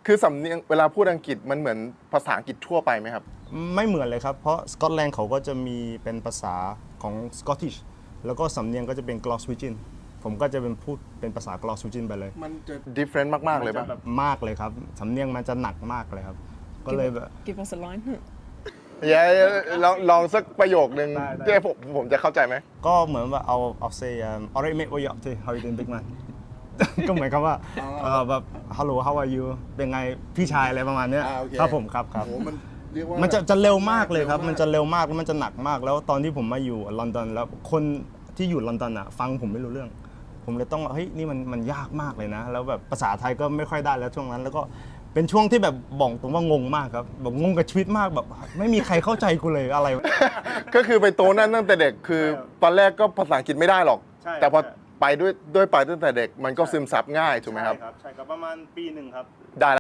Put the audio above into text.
คือสำเนียงเวลาพูดอังกฤษมันเหมือนภาษาอังกฤษทั่วไปไหมครับไม่เหมือนเลยครับเพราะสกอตแลนด์เขาก็จะมีเป็นภาษาของสกอตติชแล้วก็สำเนียงก็จะเป็นกลอสวิจินผมก็จะเป็นพูดเป็นภาษากลอสวิจินไปเลยมันจะ different มากๆเลยป่ะมากเลยครับสำเนียงมันจะหนักมากเลยครับก็เลยแบบ Give us a line อย่าลองสักประโยคนึงที่ผมจะเข้าใจไหมก็เหมือนว่าเอา say alright mate what you up to how you doing big man ก็เหมือนคำว่าแบบ hello how are you เป็นไงพี่ชายอะไรประมาณเนี้ยครับผมครับมันจะเร็วมากเลยครับมันจะเร็วมากแล้วมันจะหนักมากแล้วตอนที่ผมมาอยู่ลอนดอนแล้วคนที่อยู่ลอนดอนอ่ะฟังผมไม่รู้เรื่องผมเลยต้องเฮ้ยนี่มันยากมากเลยนะแล้วแบบภาษาไทยก็ไม่ค่อยได้แล้วช่วงนั้นแล้วก็เป็นช่วงที่แบบบอกตรงว่างงมากครับแบบงงกับชีวิตมากแบบไม่มีใครเข้าใจกูเลยอะไรก็คือไปโตนั่นตั้งแต่เด็กคือตอนแรกก็ภาษาอังกฤษไม่ได้หรอกแต่พอไปด้วยไปตั้งแต่เด็กมันก็ซึมซับง่ายถูกไหมครับใช่ครับประมาณปีหนึ่งครับได้